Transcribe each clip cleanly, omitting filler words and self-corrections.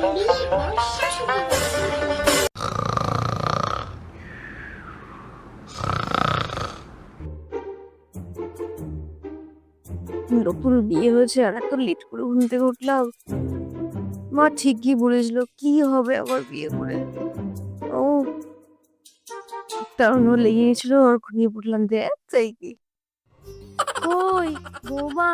বিয়ের পর শাশুড়ি বউ। নতুন বিয়ে হয়েছে আর এত লেট করে ঘুম থেকে উঠলাম। মা ঠিকই বলেছিল কি হবে আবার বিয়ে করে। ও কারণ ও লেগে গেছিল আর ঘুমিয়ে পড়লাম যে তাই কি। ওই বৌমা,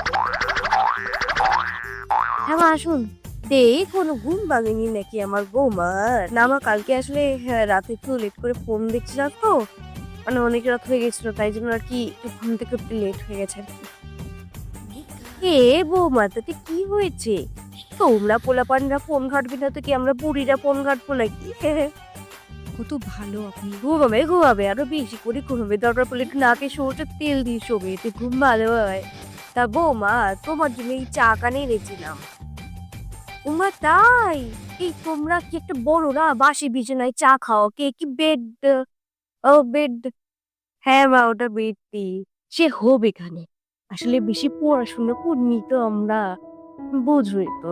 হ্যাঁ মা আসুন। কোনো ঘুম ভাঙেনি নাকি আমার বৌমার? না মা কালকে আসলে রাতে একটু লেট করে ফোন দেখছিলাম তো, মানে অনেক রাত হয়ে গেছিল তাই জন্য আর কি একটু ঘুম থেকে একটু লেট হয়ে গেছে আর কি। এ বৌমা তাতে কি হয়েছে? তোমরা পোলাপানরা ফোন ঘাটবি না তো কি আমরা বুড়িরা ফোন ঘাটবো নাকি? কত ভালো আপনি। ঘুমাবে ঘুমাবে আরো বেশি করে ঘুমাবে, দরকার পড়লে একটু নাকে সরষের তেল দিয়ে শোবে, এতে ঘুম ভালো হয়। তা বৌমা তোমার জন্য এই চা কানে এনেছিলাম। উমা তাই? এই তোমরা কি একটা বড় না বাসি বিছানায় চা খাও, কে কি বেড? ও বেড, হ্যাঁ মা ওটা বেড টি। সে হোক এখানে, আসলে বেশি পড়াশোনা করিনি তো আমরা, বুঝোই তো।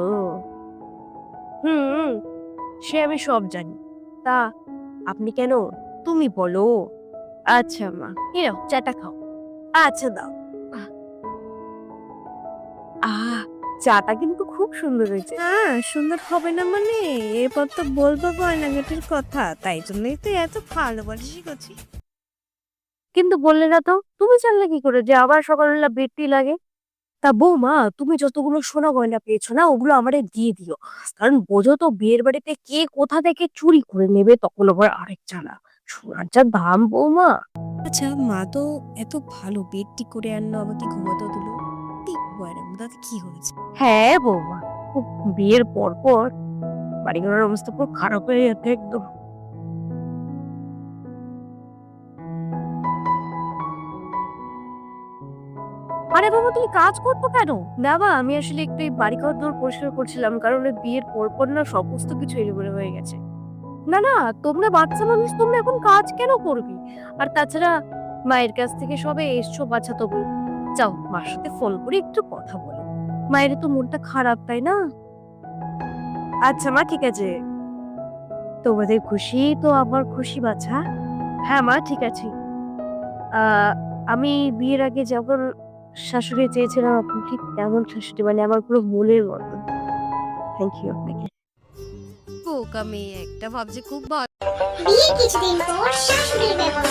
হুম, সে আমি সব জানি। তা আপনি কেন, তুমি বলো। আচ্ছা মা, এই নাও চাটা খাও। আচ্ছা দাও। আহ চাটা কিন্তু খুব সুন্দর হয়েছে। হ্যাঁ, সুন্দর হবে না মানে? এরপর তো বলবো গয়নাগাটির কথা, তাই জন্যই তো এত ভালোবাসি করছি। কিন্তু বললে না তো, তুমি জানলে কি করে যে আবার সকালবেলা বেডটি লাগে? তা বৌমা তুমি যতগুলো সোনা গয়না পেয়েছো না ওগুলো আমারে দিয়ে দিও, কারণ বোঝো তো বিয়ের বাড়িতে কে কোথা থেকে চুরি করে নেবে তখন আবার আরেক জ্বালা। সোনার যা দাম বৌমা। আচ্ছা, মা তো এত ভালো বেডটি করে আনলো, আমাকে ঘুমাতেও দিল। গয়নার তাতে কি হয়েছে? হ্যাঁ বৌমা, খুব বিয়ের পর পর বাড়িঘরের অবস্থা পুরো খারাপ হয়ে যাচ্ছে একদম। আরে বাবা তুমি কাজ করছো কেন? না বা আমি আসলে একটু এই বাড়ি ঘর দোর পরিষ্কার করছিলাম, কারণ ওই বিয়ের পর না সমস্ত কিছু এলোমেলো হয়ে গেছে। না না, তোমরা বাচ্চা মানুষ, তোমরা এখন কাজ কেন করবে? আর তাছাড়া মায়ের কাছ থেকে সবে এসছো বাচ্চা তবু, যাও মার সাথে ফোন করে একটু কথা বলো। মায়ের তো মনটা খারাপ তাই না? আচ্ছা মা ঠিক আছে, তোমাদের খুশি তো আমার খুশি বাছা। হ্যাঁ মা ঠিক আছে। আমি বিয়ের আগে যখন শাশুড়ি চেয়েছিলাম আপনি ঠিক তেমন শাশুড়ি, মানে আমার পুরো মনের মতন। থ্যাংক ইউ আপনাকে। বোকা মেয়ে একটা, ভাবছে খুব ভালো। বিয়ের কিছুদিন পর শাশুড়ির ব্যবহার।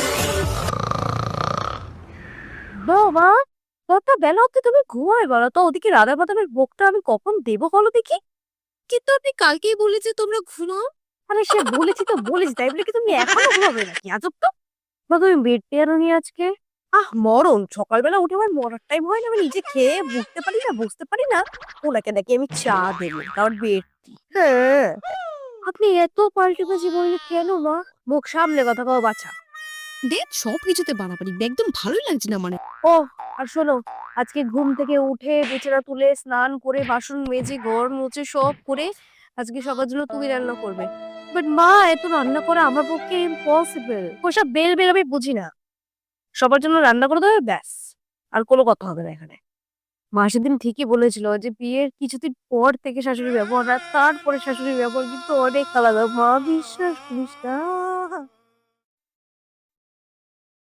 বাবা কত বেলা অব্দি তুমি ঘুমায় বলো তো, ওদিকে রাধা বাদামের ভোগটা আমি কখন দেবো বলো দেখি। কিন্তু আপনি কালকেই বলেছে তোমরা ঘুমাও। আরে সে বলেছি তো বলেছি, তাই বলে কি তুমি এখনো ঘুমাবে নাকি? আজব তো। বা তুমি বেড পেয়ারো নি আজকে? মরণ, সকালবেলা উঠে আমার মরার টাইম হয় না, আমি নিজে খেয়ে বুঝতে পারি না বুঝতে পারি না, ওনাকে নাকি আমি চা দেবো তার বেড। হ্যাঁ, আপনি এত পাল্টে বাজি বললে কেন মা? মুখ সামলে কথা কও বাছা। দেখ, সব কিছুতে বাড়াবাড়ি একদম ভালোই লাগছে না মানে। ও আর শোনো, আজকে ঘুম থেকে উঠে বিছানা তুলে স্নান করে বাসন মেজে ঘর মুছে সব করে আজকে সবার জন্য তুমি রান্না করবে। বাট মা এত রান্না করা আমার পক্ষে ইম্পসিবল। ওসব বেল বেল আমি বুঝি না। সবার জন্য রান্না করে দেবে ব্যাস, আর কোনো কথা হবে না এখানে। মা সেদিন ঠিকই বলেছিল যে বিয়ের কিছুদিন পর থেকে শাশুড়ির ব্যবহার আর তারপরে শাশুড়ির ব্যবহার কিন্তু অনেক আলাদা। মা বিশ্বাস করিস না।